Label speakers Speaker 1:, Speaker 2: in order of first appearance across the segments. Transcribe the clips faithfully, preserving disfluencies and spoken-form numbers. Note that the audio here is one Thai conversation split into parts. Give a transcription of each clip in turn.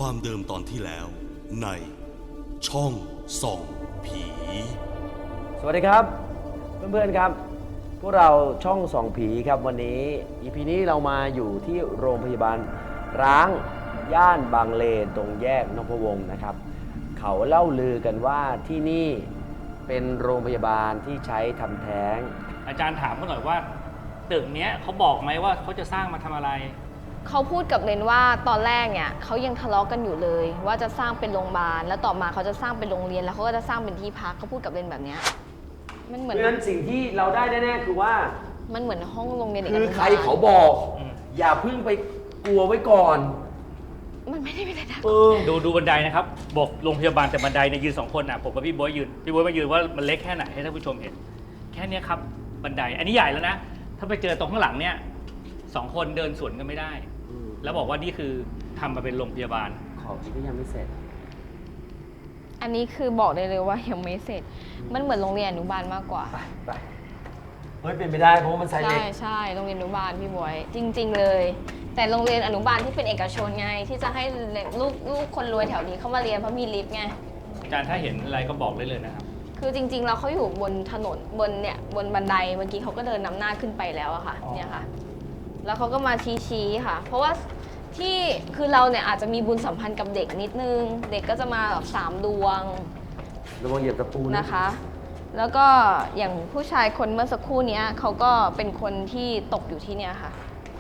Speaker 1: ความเดิมตอนที่แล้วในช่องส่องผี
Speaker 2: สวัสดีครับเพื่อนๆครับพวกเราช่องส่องผีครับวันนี้ อี พี นี้เรามาอยู่ที่โรงพยาบาลร้างย่านบางเลนตรงแยกนพวงศ์นะครับเขาเล่าลือกันว่าที่นี่เป็นโรงพยาบาลที่ใช้ทำแท้ง
Speaker 3: อาจารย์ถามเขาหน่อยว่าตึกเนี้ยเขาบอกไหมว่าเขาจะสร้างมาทำอะไร
Speaker 4: เขาพูดกับเรนว่าตอนแรกเนี่ยเขายังทะเลาะกันอยู่เลย ว่าจะสร้างเป็นโรงพยาบาลแล้วต่อมาเขาจะสร้างเป็นโรงเรียนแล้วเขาก็จะสร้างเป็นที่พักเขาพูดกับเรนแบบเนี้ยมันเหมือน
Speaker 2: เพราะฉะนั้นสิ่งที่เราได้แน่ๆคือว่า
Speaker 4: มันเหมือนห้องโรงเรียนเด็กอ
Speaker 2: คือ
Speaker 4: นุบาล
Speaker 2: ใครเขาบอก อย่าเพิ่งไปกลัวไว้ก่อน
Speaker 4: มันไม่ได้เป็นอะไรนะ
Speaker 2: เออ
Speaker 3: ดูดูบันไดนะครับบอกโรงพยาบาลแต่บันไดเนี่ยยืนสองคนอ่ะผมกับพี่บ๊วยยืนพี่บ๊วยมายืนว่ามันเล็กแค่ไหนให้ท่านผู้ชมเห็นแค่เนี้ยครับบันไดอันนี้ใหญ่แล้วนะถ้าไปเจอตรงข้างหลังเนี่ยสองคนเดินสวนกันไม่ได้ แล้วบอกว่านี่คือทำมาเป็นโรงพยาบาล
Speaker 2: ของที่ก็ยังไม่เสร็จ
Speaker 4: อันนี้คือบอกได้เลยว่ายังไม่เสร็จมันเหมือนโรงเรียนอนุบาลมากกว่า
Speaker 2: ไปไปเฮ้ยเป็นไปได้เพราะว่ามันไซส์
Speaker 4: ใช่
Speaker 2: เล็ก
Speaker 4: ใช่โรงเรียนอนุบาลพี่บอยจริง ๆ เลย แต่โรงเรียนอนุบาลที่เป็นเอกชนไงที่จะให้ลูกลูกคนรวยแถวนี้เข้ามาเรียนเพราะมีลิฟต์ไง
Speaker 3: อาจารย์ถ้าเห็นอะไรก็บอกได้เลยนะครับ
Speaker 4: คือจริงๆเราเขาอยู่บนถนนบนเนี่ยบนบันไดเมื่อกี้เขาก็เดินนำหน้าขึ้นไปแล้วอะค่ะเนี่ยค่ะแล้วเขาก็มาชี้ๆค่ะ เพราะว่าที่คือเราเนี่ยอาจจะมีบุญสัมพันธ์กับเด็กนิดนึงเด็กก็จะมาแบบสามดวง
Speaker 2: ระวังเหยียบตะปูนะ
Speaker 4: นะคะ แล้วก็อย่างผู้ชายคนเมื่อสักครู่นี้เขาก็เป็นคนที่ตกอยู่ที่เนี่ยค่ะ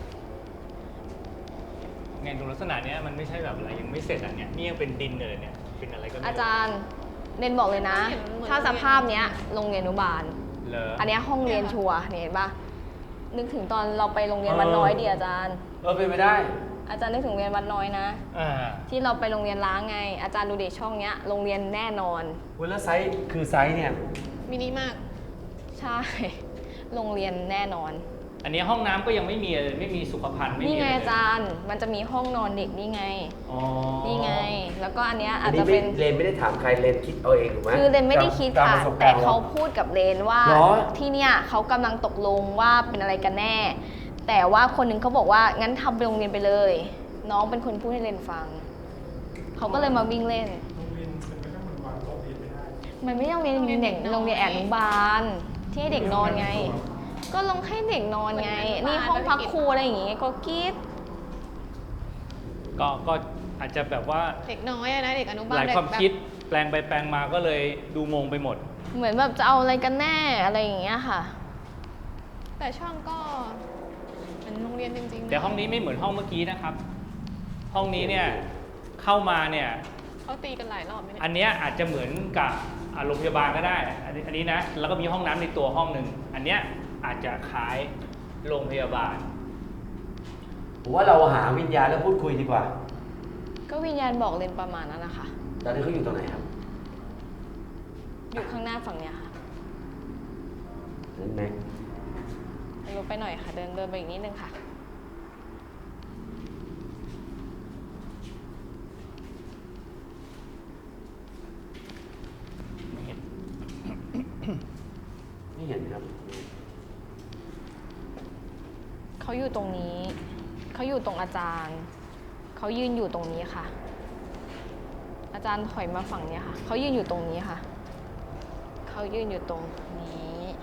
Speaker 3: ไงดูลักษณะเนี้ยมันไม่ใช่แบบอะไรยังไม่เสร็จอ่ะเนี่ยนี่ยังเป็นดินเลยเนี่ยเป็นอะไรก็ไม่รู้
Speaker 4: อาจารย์เรนบอกเลยนะ ถ้าสภาพเนี้ยโรงเรียนอนุบาล
Speaker 3: เหรอ
Speaker 4: อันเนี้ยห้องเรียนชัวร์เนี่ยเห็นปะนึกถึงตอนเราไปโรงเรียนวัดน้อยดิอาจารย์
Speaker 2: เออเป็นไปได้
Speaker 4: อาจารย์นึกถึงโรงเรียนวัดน้อยนะ
Speaker 3: อ่า
Speaker 4: ที่เราไปโรงเรียนล้างไง อาจารย์ดูเด็กช่องเนี้ยโรงเรียนแน่นอน
Speaker 2: เวลาไซส์คือไซส์เนี่ย
Speaker 4: มินิมาก ใช่ โรงเรียนแน่นอน
Speaker 3: อันนี้ห้องน้ำก็ยังไม่มีเลยไม่มีสุขภัณฑ์ไม่มี
Speaker 4: นี่ไง
Speaker 3: อะไร
Speaker 4: อาจารย์มันจะมีห้องนอนเด็กนี่ไง
Speaker 3: อ๋อ
Speaker 4: นี่ไง แล้วก็อันเนี้ย
Speaker 2: อั
Speaker 4: อาน จ
Speaker 2: นี้
Speaker 4: จะ
Speaker 2: ไม่
Speaker 4: เป็น
Speaker 2: เรนไม่ได้ถามใครเรนคิดเอาเองถูกไหม
Speaker 4: คือเรนไม่ได้คิด
Speaker 2: ตาม
Speaker 4: ค่ะ
Speaker 2: ประสบก
Speaker 4: แต่
Speaker 2: รณ์
Speaker 4: เขาพูดกับเรนว่า
Speaker 2: เหรอ
Speaker 4: ที่เนี่ยเขากำลังตกลงว่าเป็นอะไรกันแน่ แต่ว่าคนหนึงเขาบอกว่างั้นทำไปโรงเรียนไปเลย น้องเป็นคนพูดให้เรนฟังเขาก็เลยมาวิ่งเล่นมันไม่ใช่โรงเรียนเด็กโรงเรียนอนุบาลที่ให้เด็กนอนไง ก็ลงให้เด็กนอนไง นี่ห้องพักครูอะไรอย่างงี้ก็คิด
Speaker 3: ก็ก็อาจจะแบบว่า
Speaker 5: เด็กน้อยอะนะเด็กอนุบาล
Speaker 3: หลาย
Speaker 5: เด็ก
Speaker 3: ความ
Speaker 5: แบบ
Speaker 3: คิดแปลงไปแปลงมาก็เลยดูงงไปหมด
Speaker 4: เหมือนแบบจะเอาอะไรกันแน่อะไรอย่างเงี้ยค่ะ
Speaker 5: แต่ช่องก็เป็นโรงเรียนจริงๆนะ
Speaker 3: แต่ห้องนี้ไม่เหมือนห้องเมื่อกี้นะครับ ห้องนี้เนี่ยเข้ามาเนี่ย
Speaker 5: เขาตีกันหลายรอบไหมเนี่ย
Speaker 3: อันเนี้ยอาจจะเหมือนกับอ่าโรงพยาบาลก็ได้อันนี้อันนี้นะแล้วก็มีห้องน้ำในตัวห้องหนึ่งอันเนี้ยอาจจะคล้ายโรงพยาบาล
Speaker 2: ผมว่าเราหาวิญญาณแล้วพูดคุยดีกว่า
Speaker 4: ก็วิญญาณบอกเรนประมาณนั้นนะคะ
Speaker 2: ตอนนี้เขาอยู่ตรงไหนครับ
Speaker 4: อยู่ข้างหน้าฝั่งเนี้ยค่ะ
Speaker 2: นั่นไหม
Speaker 4: ลงไปหน่อยค่ะ เดินเดินไปอีกนิดนึงค่ะ
Speaker 3: ไม่เห็น
Speaker 2: ไม่เห็นครับ
Speaker 4: เขาอยู่ตรงนี้ เขาอยู่ตรงอาจารย์ เขายืนอยู่ตรงนี้ค่ะ อาจารย์ถอยมาฝั่งเนี้ยค่ะ เขายืนอยู่ตรงนี้ค่ะ เขายืนอยู่ตรงนี้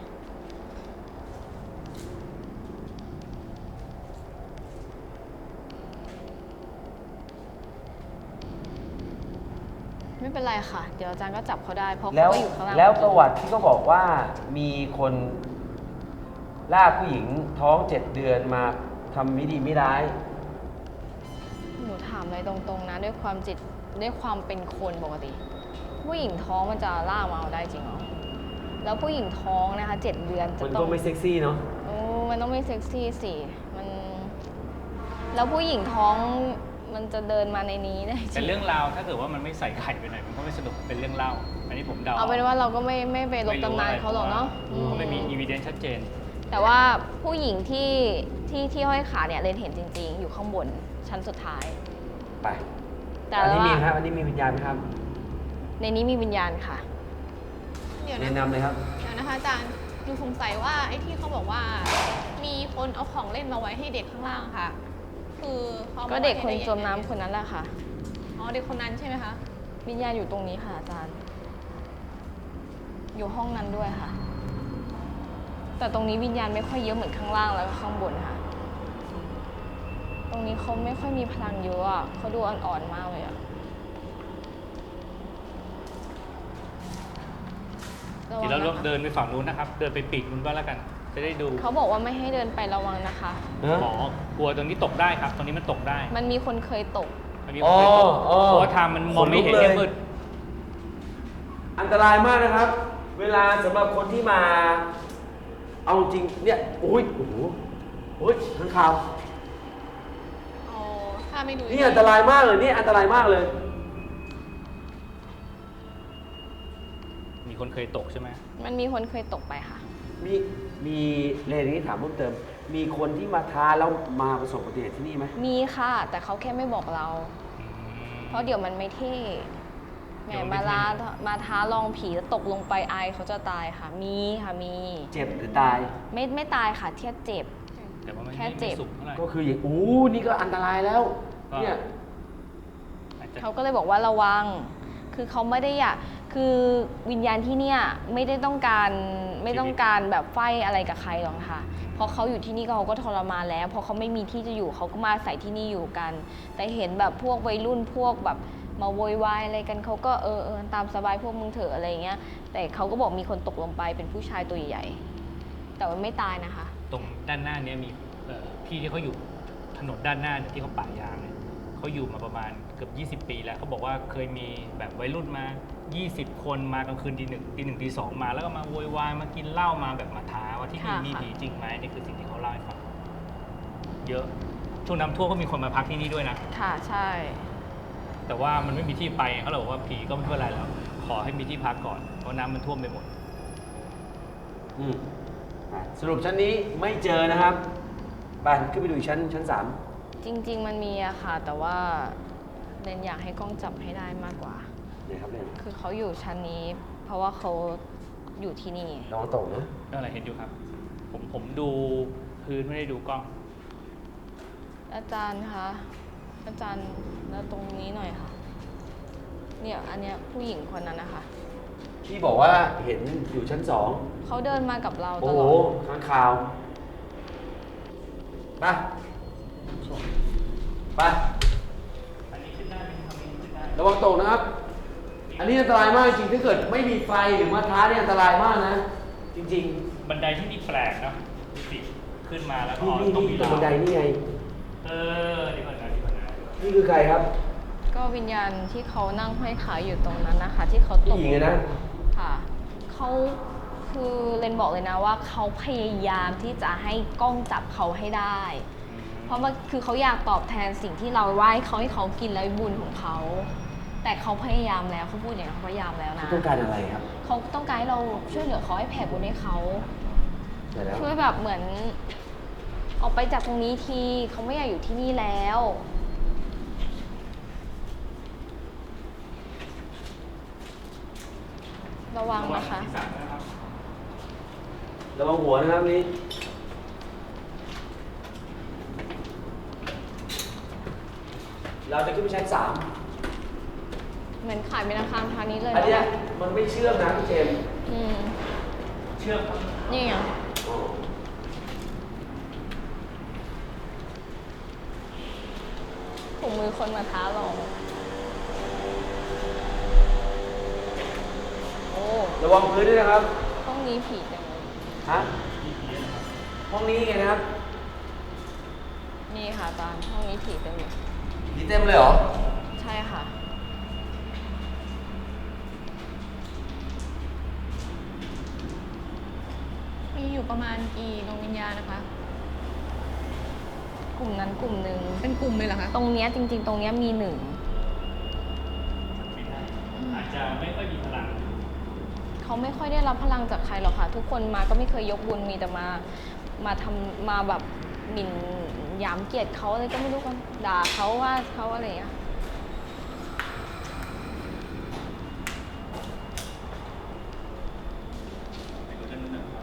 Speaker 4: ไม่เป็นไรค่ะ เดี๋ยวอาจารย์ก็จับเขาได้ เพราะ
Speaker 2: แล้
Speaker 4: เขา
Speaker 2: ว
Speaker 4: ก็อยู่ข้างล่าง
Speaker 2: แล้วประวัติที่เขาบอกว่ามีคนลากผู้หญิงท้องเจ็ดเดือนมาทำไม่ดีไม่ร้าย
Speaker 4: หนูถามอะไรตรงๆนะ ด้วยความจิตด้วยความเป็นคนปกติ ผู้หญิงท้องมันจะล่ากมาเอาได้จริงเหรอแล้วผู้หญิงท้องนะคะเจ็ดเดือนจะ
Speaker 2: มัน
Speaker 4: ต้
Speaker 2: ก็
Speaker 4: อง
Speaker 2: ไม่เซ็กซี่เนาะ
Speaker 4: โอ้มันต้องไม่เซ็กซี่สิมันแล้วผู้หญิงท้องมันจะเดินมาในนี้ได้จ
Speaker 3: เป็น
Speaker 4: ริง
Speaker 3: เรื่องราวถ้าเกิดว่ามันไม่ใส่ไข่ไปหน่อยมันก็ไม่สนุกเป็นเรื่องเล่าอันนี้ผมเดา
Speaker 4: เอาเป็นว่าเราก็ไม่ไม่ไปลบตำนานเขาหรอกเนาะ
Speaker 3: เพราะไม่มีอีวิเดนซ์ชัดเจน
Speaker 4: แต่ว่าผู้หญิงที่ที่ที่ห้อยขาเนี่ยเรนเห็นจริง ๆ อยู่ข้างบนชั้นสุดท้าย
Speaker 2: ไป
Speaker 4: แต่
Speaker 2: อันนี้
Speaker 4: ว่า
Speaker 2: มีไหมครับ อันนี้มีวิญญาณไหมครับ
Speaker 4: ในนี้มีวิญญาณค่ะ
Speaker 5: เดี๋ยว
Speaker 2: แนะ
Speaker 5: นะ
Speaker 2: นำเลยครับ
Speaker 5: เดี๋ยวนะคะอาจารย์ดูสงสัยว่าไอ้ที่เขาบอกว่า มีคนเอาของเล่นมาไว้ให้เด็กข้างล่างค่ะ คือเขาอามา
Speaker 4: ก็เด็กคน
Speaker 5: ไว้ให้ไ
Speaker 4: จมน้ำคนนั้นแหละค่ะ
Speaker 5: อ๋อเด็กคนนั้นใช่ไหมคะ
Speaker 4: วิญญาณอยู่ตรงนี้ค่ะอาจารย์ อยู่ห้องนั้นด้วยค่ะ แต่ตรงนี้วิญญาณไม่ค่อยเยอะเหมือนข้างล่างแล้วก็ข้างบนค่ะ ตรงนี้เขาไม่ค่อยมีพลังเยอะอ่ะเขาดูอ่อนๆมากเลยอ่ะระวั
Speaker 3: เดี๋
Speaker 4: ง
Speaker 3: ยวเรา
Speaker 4: นะคะ
Speaker 3: เดินไปฝั่งนู้นนะครับ เดินไปปีกนู้นก็แล้วกัน จะได้ดู
Speaker 4: เขาบอกว่าไม่ให้เดินไประวังนะคะ
Speaker 3: หมอกลัวตรงนี้ตกได้ครับ ตรงนี้มันตกได้
Speaker 4: มันมีคนเคยตก
Speaker 3: มันมีคนเคยตก
Speaker 2: อ๋อ
Speaker 3: เพราะว่าทางมันมองไม่เห็น
Speaker 2: ขนลุกเลย
Speaker 3: เนี่ยมืด
Speaker 2: อันตรายมากนะครับ เวลาสำหรับคนที่มา เอาจริงเนี่ยโอ้ยโอ้โหโอ้ยข้างข่าว
Speaker 5: อ๋อ ถ้าไม่ดู
Speaker 2: นี่อันตรายมากเลยนี่อันตรายมากเลย
Speaker 3: มีคนเคยตกใช่ไหม
Speaker 4: มันมีคนเคยตกไปค่ะ
Speaker 2: มีมีเรนนี้ถามเพิ่มเติม มีคนที่มาท้าแล้วมาประสบอุบัติเหตุที่นี่ไหม
Speaker 4: มีค่ะ แต่เขาแค่ไม่บอกเรา เพราะเดี๋ยวมันไม่เท่แหม
Speaker 3: เดี๋ยวมันไม่
Speaker 4: มา
Speaker 3: เท่
Speaker 4: ลามาท้าลองผีแล้วตกลงไปอายเขาจะตายค่ะ มีค่ะมี
Speaker 2: เจ็บหรือตาย
Speaker 4: ไม่ไม่ตายค่ะแค่เจ็บ
Speaker 3: แต่ว่ามัน
Speaker 4: แค่
Speaker 3: ไม่
Speaker 4: เจ็
Speaker 3: ไม่
Speaker 4: บ
Speaker 3: สุกเท่าไหร่
Speaker 2: ก็คืออย่างอู้นี่ก็อันตรายแล้ว
Speaker 3: ก็
Speaker 2: เนี่ย
Speaker 3: อาจจะ
Speaker 4: เขาก็เลยบอกว่าระวัง คือเขาไม่ได้อยาก คือวิญญาณที่เนี่ยไม่ได้ต้องการไม่ต้องการแบบไฟอะไรกับใครหรอกค่ะ เพราะเขาอยู่ที่นี่ก็เขาก็ทรมานแล้ว เพราะเขาไม่มีที่จะอยู่เขาก็มาใส่ที่นี่อยู่กัน แต่เห็นแบบพวกวัยรุ่นพวกแบบมาโวยวายอะไรกันเขาก็เออเออตามสบายพวกมึงเถอะอะไรเงี้ย แต่เขาก็บอกมีคนตกลงไปเป็นผู้ชายตัวใหญ่ แต่ว่าไม่ตายนะคะ
Speaker 3: ตรงด้านหน้าเนี้มีเอ่อพี่ที่เขาอยู่ถนนด้านหน้าเนี่ยที่เขาป่ายางเนี่ยเขาอยู่มาประมาณเกือบยี่สิบ ปีแล้วเขาบอกว่าเคยมีแบบวัยรุ่นมา ยี่สิบ คนมากลางคืนตีหนึ่งตีหนึ่งตีสองมาแล้วก็มาโวยวายมากินเหล้ามาแบบมาท้าว่าที่นี่
Speaker 4: ค่ะ
Speaker 3: มี
Speaker 4: ค่ะ
Speaker 3: ผีจริงไหมนี่คือสิ่งที่เขาเล่าให้ฟังเยอะช่วงน้ำท่วมก็มีคนมาพักที่นี่ด้วยนะ
Speaker 4: ค่ะใช่
Speaker 3: แต่ว่ามันไม่มีที่ไปเขาเลยบอกว่าผีก็ไม่เป็นไรแล้ว ขอให้มีที่พักก่อนเพราะน้ำมันท่วมไปหมด
Speaker 2: อืมอ่ะสรุปชั้นนี้ไม่เจอนะครับไปขึ้นไปดูอีกชั้นชั้นสาม
Speaker 4: จริง ๆ มันมีอะค่ะ แต่ว่าเรนอยากให้กล้องจับให้ได้มากกว่า
Speaker 2: เนี่ยครับเนี่ย
Speaker 4: คือเขาอยู่ชั้นนี้ เพราะว่าเขาอยู่ที่นี่
Speaker 2: ลองตกนะ
Speaker 3: นั่นแหละเห็นอยู่ครับ ผมผมดูพื้นไม่ได้ดูกล้อง
Speaker 4: อาจารย์คะ อาจารย์แล้วตรงนี้หน่อยค่ะ เนี่ยอันเนี้ยผู้หญิงคนนั้นนะคะ
Speaker 2: ที่บอกว่าเห็นอยู่ชั้นสอง
Speaker 4: เขาเดินมากับเราต
Speaker 2: โอ้
Speaker 4: ล
Speaker 2: โห
Speaker 4: อด
Speaker 2: ข้างข่าวไปไป
Speaker 3: อันนี้ขึ้นได้ไหมครับอันนี้ขึ้นได้
Speaker 2: ระวังตกนะครับ อันนี้อันตรายมากจริงถ้าเกิดไม่มีไฟหรือมาท้าเนี่ยอันตรายมากนะ จริง
Speaker 3: บันไดที่นี่แปลกเนอะดูสิขึ้นมาแล้ว
Speaker 2: ๆ
Speaker 3: ก็
Speaker 2: นี่นี่
Speaker 3: ต้อง
Speaker 2: นี่
Speaker 3: มี
Speaker 2: ตรงบันไดนี่ไง
Speaker 3: เออดีกว่านะดีกว่านะ
Speaker 2: นี่คือใครครับ
Speaker 4: ก็วิญญาณที่เขานั่งห้อยขาอยู่ตรงนั้นนะคะ ที่เขาต
Speaker 2: ผู้
Speaker 4: ก
Speaker 2: หญิงอะนะ
Speaker 4: ค่ะเขาคือเรนบอกเลยนะว่าเขาพยายามที่จะให้กล้องจับเขาให้ได้ เพราะว่าคือเขาอยากตอบแทนสิ่งที่เราไหว้เขาให้เขากินแล้วบุญของเขา แต่เขาพยายามแล้วเขาพูดอย่างนี้เขาพยายามแล้วนะ
Speaker 2: เขาต้องการอะไรครับ
Speaker 4: เขาต้องการให้เราช่วยเหลือเขาให้แผ่บุญให้เขา
Speaker 2: เดี๋ยวแล้ว
Speaker 4: ช่วยแบบเหมือน ออกไปจากตรงนี้ทีเขาไม่อยากอยู่ที่นี่แล้ว ระวังนะคะ
Speaker 3: ที่สามนะครับ
Speaker 2: ระวังหัวนะครับนี่ เราจะขึ้นไปชั้นสาม
Speaker 4: เหมือนขายเป็นอาคารพาณิชย์เลย
Speaker 2: อันเนี้ย
Speaker 4: เนาะ
Speaker 2: มันไม่เชื่อมนะพี่เจมส์
Speaker 4: อืม
Speaker 3: เชื่อมครับ
Speaker 4: นี่ไง
Speaker 2: อ๋อ
Speaker 4: ถุงมือคนมาท้าเราโอ้
Speaker 2: ระวังพื้นด้วยนะครับ
Speaker 4: ห้องนี้ผีจังเลย
Speaker 2: ฮะ ห้องนี้ไงนะครับ
Speaker 4: นี่ค่ะอาจารย์ห้องนี้ผีเต็มเลย
Speaker 2: ผีเต็มเลยเหรอ
Speaker 4: ใช่ค่ะ
Speaker 5: มีอยู่ประมาณกี่ดวงวิญญาณนะคะ
Speaker 4: กลุ่มนั้นกลุ่มหนึ่ง
Speaker 5: เป็นกลุ่มเลยเหรอคะ
Speaker 4: ตรงเนี้ยจริง ๆ ตรงเนี้ยมีหนึ่ง
Speaker 3: ไม่ได้อาจจะไม่ค่อยมีพลัง
Speaker 4: เขาไม่ค่อยได้รับพลังจากใครหรอกค่ะ ทุกคนมาก็ไม่เคยยกบุญมีแต่มา มาทำมาแบบหมิ่นหยามเกียรติเขาอะไรก็ไม่รู้กันด่าเขาว่าเขาอะไรอย่างเงี้ย
Speaker 3: ไปดูด้านนู้นนะครับ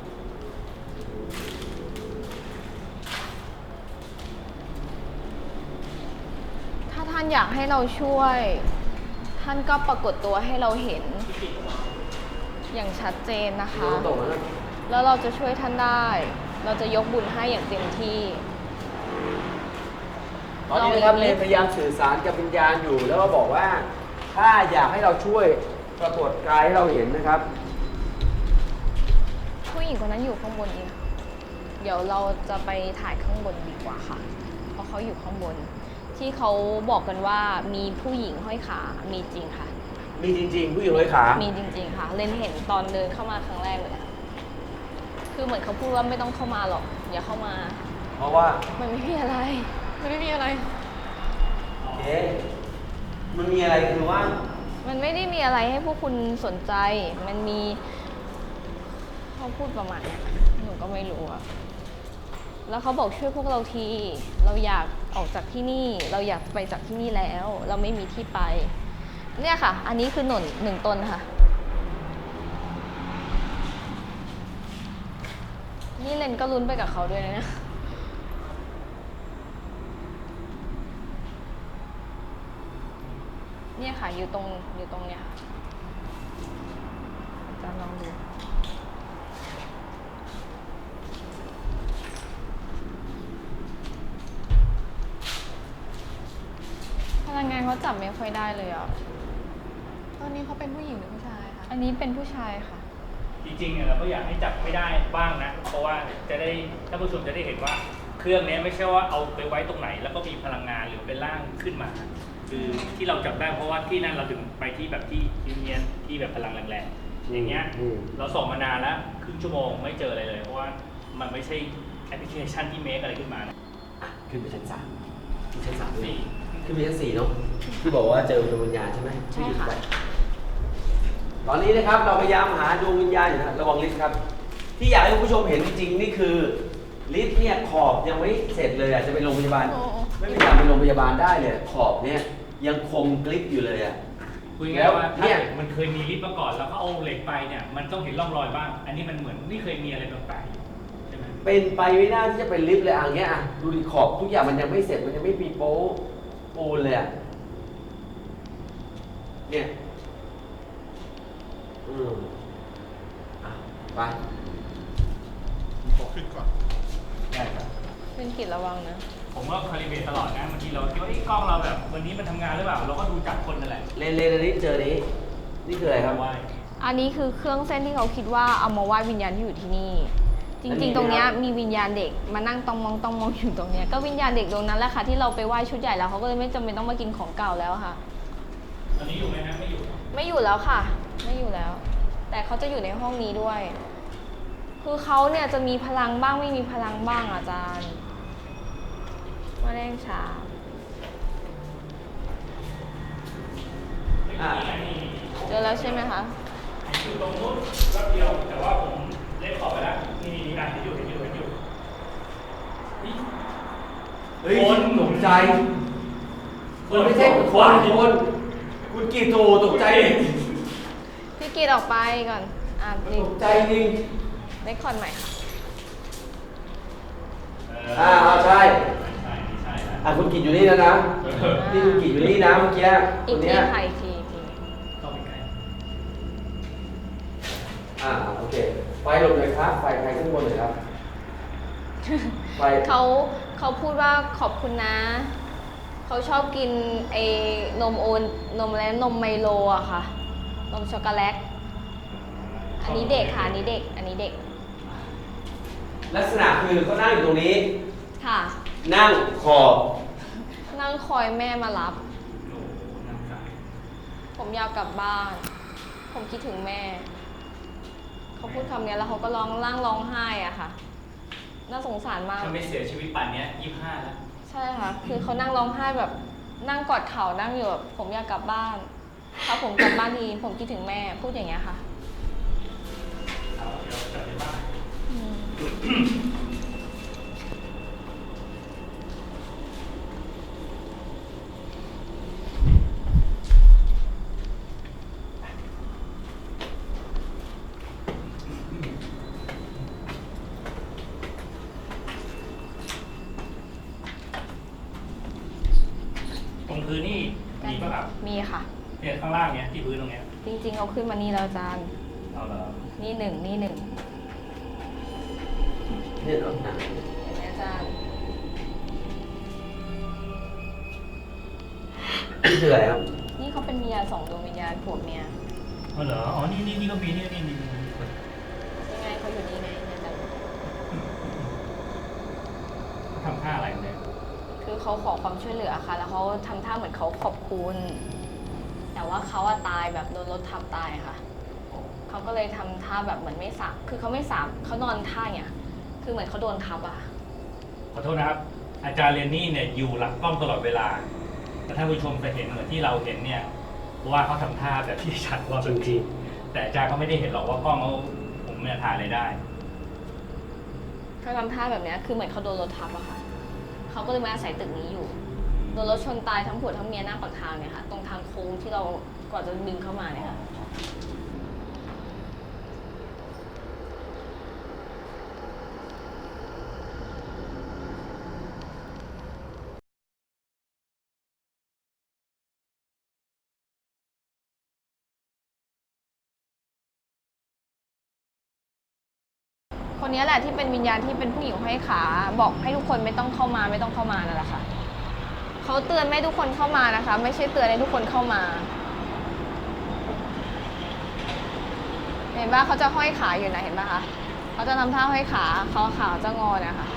Speaker 4: ถ้าท่านอยากให้เราช่วยท่านก็ปรากฏตัวให้เราเห็นอย่างชัดเจนนะคะ
Speaker 2: ตรงนั้น
Speaker 4: แล้วเราจะช่วยท่านได้ เราจะยกบุญให้อย่างเต็มที่
Speaker 2: ตอนนี้นะครับเรนพยายามสื่อสารกับวิญญาณอยู่ แล้วก็บอกว่าถ้าอยากให้เราช่วยปรากฏกายให้เราเห็นนะครับ
Speaker 4: ผู้หญิงคนนั้นอยู่ข้างบนอีกเดี๋ยวเราจะไปถ่ายข้างบนดีกว่าค่ะ เพราะเขาอยู่ข้างบน ที่เขาบอกกันว่ามีผู้หญิงห้อยขา มีจริงค่ะ
Speaker 2: มีจริง ๆ ผู้หญิงร้อยขา
Speaker 4: มีจริง ๆ ค่ะ เลนเห็นตอนเดินเข้ามาครั้งแรกเลย คือเหมือนเขาพูดว่าไม่ต้องเข้ามาหรอก อย่าเข้ามา
Speaker 2: เพราะว่า
Speaker 4: มันไม่มีอะไร
Speaker 5: ไม่ได้มีอะไร
Speaker 2: เอ๊ะมันมีอะไรคือว่า
Speaker 4: มันไม่ได้มีอะไรให้พวกคุณสนใจ มันมีเขาพูดประมาณเนี้ยหนูก็ไม่รู้อะแล้วเขาบอกช่วยพวกเราที เราอยากออกจากที่นี่ เราอยากไปจากที่นี่แล้ว เราไม่มีที่ไป เนี่ยค่ะ อันนี้คือหนุนหนึ่งต้นค่ะ นี่เลนก็ลุ้นไปกับเขาด้วยนะ เนี่ยค่ะ อยู่ตรงอยู่ตรงเนี้ยค่ะอาจารย์ลองดูพลังงานเขาจับไม่ค่อยได้เลยอ่ะ
Speaker 5: ตอนนี้เขาเป็นผู้หญิงหรือผู้ชายคะ
Speaker 4: อันนี้เป็นผู้ชายค่ะ
Speaker 3: จริงๆเนี่ยเราก็อยากให้จับไม่ได้บ้างนะ เพราะว่าจะได้ท่านผู้ชมจะได้เห็นว่าเครื่องนี้ไม่ใช่ว่าเอาไปไว้ตรงไหน แล้วก็มีพลังงานหรือเป็นร่างขึ้นมา คือที่เราจับได้เพราะว่าที่นั่นเราถึงไปที่แบบที่เนียนๆที่แบบพลังแรงๆอย่างเงี้ย
Speaker 2: อืม
Speaker 3: เราส่องมานานแล้วครึ่งชั่วโมงไม่เจออะไรเลยเพราะว่ามันไม่ใช่แอปพลิเคชันที่เมคอะไรขึ้นมานะ
Speaker 2: อ่ะขึ้นไปชั้นสามขึ้นชั้นสามด้วย
Speaker 3: สี่
Speaker 2: ขึ้นไปชั้นสี่เนาะที่บอกว่าเจอดวงวิญญาณใช่ไหม
Speaker 4: ใช่ค่ะ
Speaker 2: ตอนนี้นะครับเราพยายามหาดวงวิญญาณอยู่นะระวังลิฟต์ครับ ที่อยากให้คุณผู้ชมเห็นจริงๆนี่คือลิฟต์เนี่ยขอบยังไม่เสร็จเลยอ่ะจะเป็นโรงพยาบาล
Speaker 5: โอ้
Speaker 2: ไม่มีทางเป็นโรงพยาบาลได้เลยขอบเนี่ยยังคมกริบอยู่เลยอ่ะ
Speaker 3: คุยง่ายๆว่า
Speaker 2: แล้วเนี่
Speaker 3: ถ้าย มันเคยมีลิฟต์มาก่อนแล้วก็เอาเหล็กไปเนี่ยมันต้องเห็นร่องรอยบ้าง อันนี้มันเหมือนไม่เคยมีอะไรแปลกๆใช่ไหม
Speaker 2: เป็นไปไม่ได้ที่จะเป็นลิฟต์เลยอ่ะอย่างเงี้ยอ่ะดูดิขอบทุกอย่างมันยังไม่เสร็จมันยังไม่มีโป๊ะปูนเลยอ่ะเนี่ยอืมอ่ะไป
Speaker 6: ขอขึ้นก่อน
Speaker 3: ได้ครับ
Speaker 4: เป็นกิจระวังนะ
Speaker 3: ผมก็คาลิเบรตตลอดนะบางทีเราคิดว่าไอ้กล้องเราแบบวันนี้มันทำงานหรือเปล่าเราก็ดูจากคนนั่นแหละ
Speaker 2: เลนเลนอันนี้เจอนี้นี่คืออะไรครับ
Speaker 3: ว่า
Speaker 4: อันนี้คือเครื่องเส้นที่เขาคิดว่าเอามาไหว้วิญญาณที่อยู่ที่นี่ จ
Speaker 2: อันนี้
Speaker 4: ริงๆ ตรงเนี้ย
Speaker 2: นะครับ
Speaker 4: มีวิญญาณเด็กมานั่งตองมองตองมองอยู่ตรงเนี้ยก็วิญญาณเด็กตรงนั้นแหละค่ะที่เราไปไหว้ชุดใหญ่แล้วเขาก็เลยไม่จำเป็นต้องมากินของเก่าแล้วค่ะ
Speaker 3: ตอนนี้อยู่ไหมฮะไม่อยู่
Speaker 4: ไม่อยู่แล้วค่ะ ไม่อยู่แล้ว แต่เขาจะอยู่ในห้องนี้ด้วย คือเขาเนี่ยจะมีพลังบ้างไม่มีพลังบ้างอาจารย์มาแรงชา
Speaker 2: อ่ะ
Speaker 4: เจอแล้วใช่ไหมคะ
Speaker 3: อยู่ตรงนู้นแป๊บเดียวแต่ว่าผมเล่นขอบไปแล้วนี่นี่อ่านที่อยู่เห็นอยู่เห็นอยู่นี่
Speaker 2: เฮ้ย
Speaker 3: คน
Speaker 2: ตกใจคนไม่ใช่คนคนคุณกีโตตกใจ
Speaker 4: พี่กีดออกไปก่อน อ่านจริง
Speaker 2: ตกใจจริง
Speaker 4: เรคคอร์ดใหม่ค่ะ
Speaker 3: เ
Speaker 2: อ่าเอาใช่
Speaker 3: ใช่นี่ใช่แล้ว
Speaker 2: อ่ะคุณกีอยู่นี่แล้วนะนี่คุณกีอยู่นี่นะเมื่อกี้ค
Speaker 4: อีก
Speaker 2: น
Speaker 4: ที
Speaker 2: เนี้ย
Speaker 4: ค่ะอีกทีอีกที
Speaker 3: เข้าไปใกล้
Speaker 2: อ่าโอเคไฟหลบเลยครับไฟไฟขึ้นบนเลยครับไฟ
Speaker 4: เขาเขาพูดว่าขอบคุณนะ เขาชอบกินไอ้นมโอนนมและนมไมโลอะค่ะ นมช็อกโกแลต อันนี้เด็กค่ะ อันนี้เด็ก อันนี้เด็ก
Speaker 2: ลักษณะคือเขานั่งอยู่ตรงนี้
Speaker 4: ค่ะ
Speaker 2: นั่งขอบ
Speaker 4: นั่งคอยแม่มารับ
Speaker 3: โอ้โหนั่งสาย
Speaker 4: ผมอยากกลับบ้าน ผมคิดถึงแม่ เขาพูดคำเนี้ยแล้วเขาก็ร้องร่างร้องไห้อะค่ะ น่าสงสารมาก
Speaker 3: ถ้าไม่เสียชีวิตป่านเนี้ยยี่สิบห้าแล้ว
Speaker 4: ใช่ค่ะ คือเขานั่งร้องไห้แบบนั่งกอดเข่านั่งอยู่แบบผมอยากกลับบ้าน ถ้าผมกลับบ้านทีผมคิดถึงแม่ พูดอย่างเงี้ยค่ะ
Speaker 3: เอาเดี๋ยวกลับไปบ้าน
Speaker 4: อืม
Speaker 3: ตรงพื้นนี่มีป่ะครับ
Speaker 4: มีค่ะ
Speaker 3: เเนี่ยข้างล่างเนี้ยที่พื้นตรงเนี้ย
Speaker 4: จริงๆเขาขึ้นมานี่แล้วอาจารย์
Speaker 3: เอาเหรอ
Speaker 4: นี่หนึ่งนี่หนึ่ง
Speaker 2: เนี่ยรถหนัง
Speaker 4: เห็นไหมอาจารย์
Speaker 2: นี่คืออะไรครับ
Speaker 4: นี่เขาเป็นวิญญาณสองดวงวิญญาณผัวเมีย
Speaker 3: เอาเหรออ๋อนี่นี่นี่ก็มีนี่นี่นี่นี่
Speaker 4: ยังไงเขาอยู่นี่ไงเนี่ยอาจารย์
Speaker 3: ทำท่าอะไรเนี่ย
Speaker 4: คือเขาขอความช่วยเหลือค่ะ แล้วเขาทำท่าเหมือนเขาขอบคุณ แต่ว่าเขาอะตายแบบโดนรถทับตายค่ะ เขาก็เลยทำท่าแบบเหมือนไม่สาบคือเขาไม่สาบเขานอนท่าเนี่ยคือเหมือนเขาโดนทับอะ
Speaker 3: ขอโทษนะครับ อาจารย์เรนนี่เนี่ยอยู่หลังกล้องตลอดเวลาแต่ท่านผู้ชมจะเห็นเหมือนที่เราเห็นเนี่ยว่าเขาทำท่าแบบที่ชัดว่าจริงๆแต่อาจารย์ก็ไม่ได้เห็นหรอกว่ากล้องเขาผมเนี่ยถ่ายอะไรได้
Speaker 4: เขาทำท่าแบบเนี้ยคือเหมือนเขาโดนรถทับอะค่ะ เขาก็เลยมาอาศัยตึกนี้อยู่ โดนรถชนตายทั้งผัวทั้งเมียหน้าปากทางเนี่ยค่ะ ตรงทางโค้งที่เราก่อนจะดึงเข้ามาเนี่ยค่ะ คนนี้แหละที่เป็นวิญญาณที่เป็นผู้หญิงห้อยขา บอกให้ทุกคนไม่ต้องเข้ามาไม่ต้องเข้ามานั่นแหละค่ะ เขาเตือนไม่ให้ทุกคนเข้ามานะคะ ไม่ใช่เตือนให้ทุกคนเข้ามา เห็นป่ะเขาจะห้อยขาอยู่นะเห็นป่ะคะเขาจะทำท่าห้อยขาเขาขาจะงอเนี่ยค่ะ